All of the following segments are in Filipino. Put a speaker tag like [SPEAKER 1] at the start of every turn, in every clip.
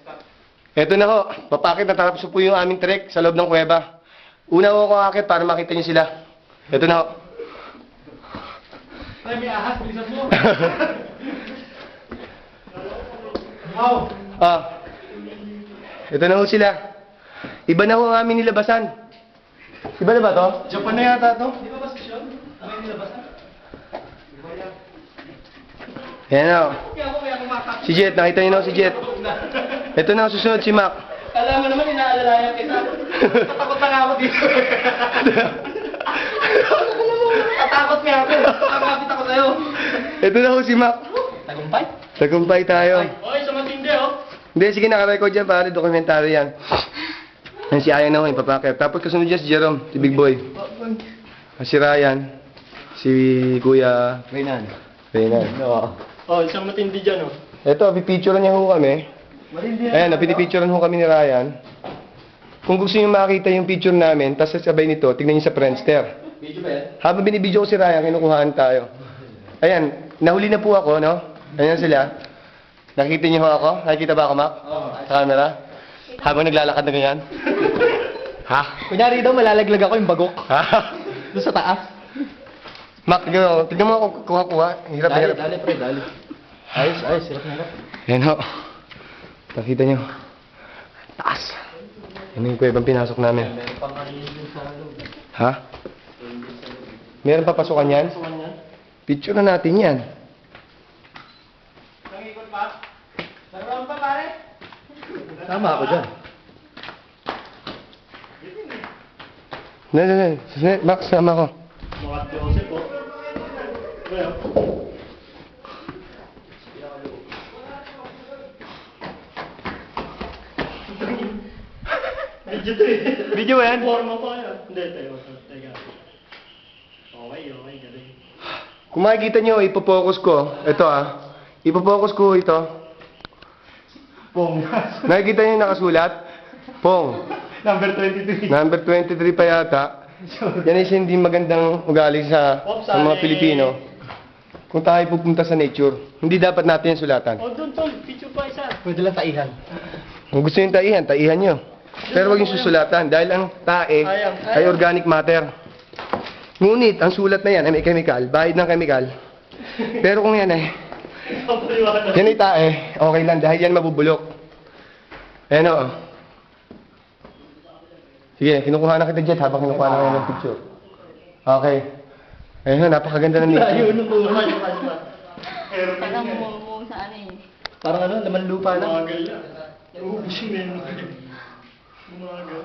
[SPEAKER 1] Eto na ho, papakit na tapos po yung aming trek sa loob ng kuweba. Una ho ako akit para makita niyo sila. Eto na ho.
[SPEAKER 2] Ay, may ahas, bilisan mo. Wow.
[SPEAKER 1] Eto na ho sila. Iba na ho ang aming nilabasan. Iba na ba to?
[SPEAKER 2] Japan na yata to. Di ba ba sisyon? Ang may nilabasan?
[SPEAKER 1] Ayan na ho.
[SPEAKER 2] Kaya ako kaya kumakap.
[SPEAKER 1] Si Jet, nakita niyo na ho si Jet. Eto na ho, susunod si Mac.
[SPEAKER 2] Alam mo naman, inaalalayan kita. Tatakot na nga ako dito. Tatakot nga ako. Kakapit ako sa'yo.
[SPEAKER 1] Eto na ho si Mac.
[SPEAKER 2] Tagumpay?
[SPEAKER 1] Tagumpay tayo.
[SPEAKER 2] Oy, sa matindi oh.
[SPEAKER 1] Hindi, sige, nakarecord yan pare, dokumentary yan. Yan si Ayan na ho, ipapakit. Tapos kasunod dyan si Jerome, si Big Boy. Si Ryan, si Kuya
[SPEAKER 2] Reynan.
[SPEAKER 1] Reynan.
[SPEAKER 2] Oo. Oh, isang matindi dyan oh.
[SPEAKER 1] Eto, pipicturean niya ho kami.
[SPEAKER 2] Matindi
[SPEAKER 1] Ayan, napipicturean ho kami ni Ryan. Kung gusto niyo makita yung picture namin, tapos sabay nito, tignan niyo sa Friendster.
[SPEAKER 2] Video ba yan?
[SPEAKER 1] Habang binibidyo ko si Ryan, kinukuhaan tayo. Ayan, nahuli na po ako, no? Ayan sila. Nakikita niyo ho ako? Nakikita ba ako, Mac?
[SPEAKER 2] Oo.
[SPEAKER 1] Sa camera? Habang naglalakad na ganyan? Ha?
[SPEAKER 2] Kunyari daw, malalaglag ako yung bagok.
[SPEAKER 1] Ha?
[SPEAKER 2] Doon sa taas.
[SPEAKER 1] Mac, tignan mo ako kuha-kuha. Hirap na hirap.
[SPEAKER 2] Dali, pre, dali. Ayos, hirap na hirap.
[SPEAKER 1] Ayan ho. Nakita niyo. Taas. Yan yung kuwebang pinasok namin.
[SPEAKER 2] Meron pang kanilin sa loob.
[SPEAKER 1] Ha? Meron pa pasukan yan?
[SPEAKER 2] Pasukan yan?
[SPEAKER 1] Picture na natin yan.
[SPEAKER 2] Nangikot pa? Naroon pa, pare?
[SPEAKER 1] Tama ako dyan. Hindi. Max, sama ko.
[SPEAKER 2] Mga Joseph po. Well. Video to eh.
[SPEAKER 1] Video ba yan?
[SPEAKER 2] Forma pa yan. Hindi, teka. Okay, galing.
[SPEAKER 1] Kung makikita nyo, ipopokus ko. Ito Ipopokus ko ito.
[SPEAKER 2] Pong.
[SPEAKER 1] Nakikita nyo yung nakasulat? Pong.
[SPEAKER 2] Number 23.
[SPEAKER 1] Number 23 pa yata. Yan ay hindi magandang ugali sa mga Pilipino. Kung tayo pupunta sa nature, hindi dapat natin yung sulatan.
[SPEAKER 2] Oh, doon, tol. Picture pa isa. Pwede lang taihan.
[SPEAKER 1] Kung gusto nyo taihan nyo. Pero huwag yung susulatan dahil ang tae ay organic matter. Ngunit, ang sulat na yan ay may chemical, bahid ng chemical. Pero kung yan yan ay tae, okay lang dahil yan mabubulok. Ayan o. Sige, kinukuha na kita Jet habang kinukuha na kayo ng picture. Okay. Ayun, napakaganda na nito.
[SPEAKER 2] Ayun, nakuha.
[SPEAKER 3] Parang mo sa ano eh.
[SPEAKER 2] Parang ano, laman lupa na. Umagal na. Uubos yun eh. Umagal.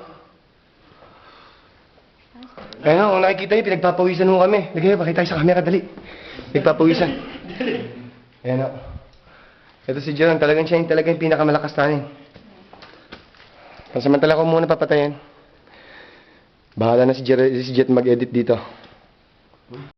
[SPEAKER 1] Ayun o, kung nakikita nyo, pinagpapawisan mo kami. Lagay, pakita tayo sa camera, dali. Pinagpapawisan. Ayan o. Ito si Jerome, talagang siya yung talagang pinakamalakas tanin. Pansamantala ko muna papatayin. Bahala na si Jet mag-edit dito.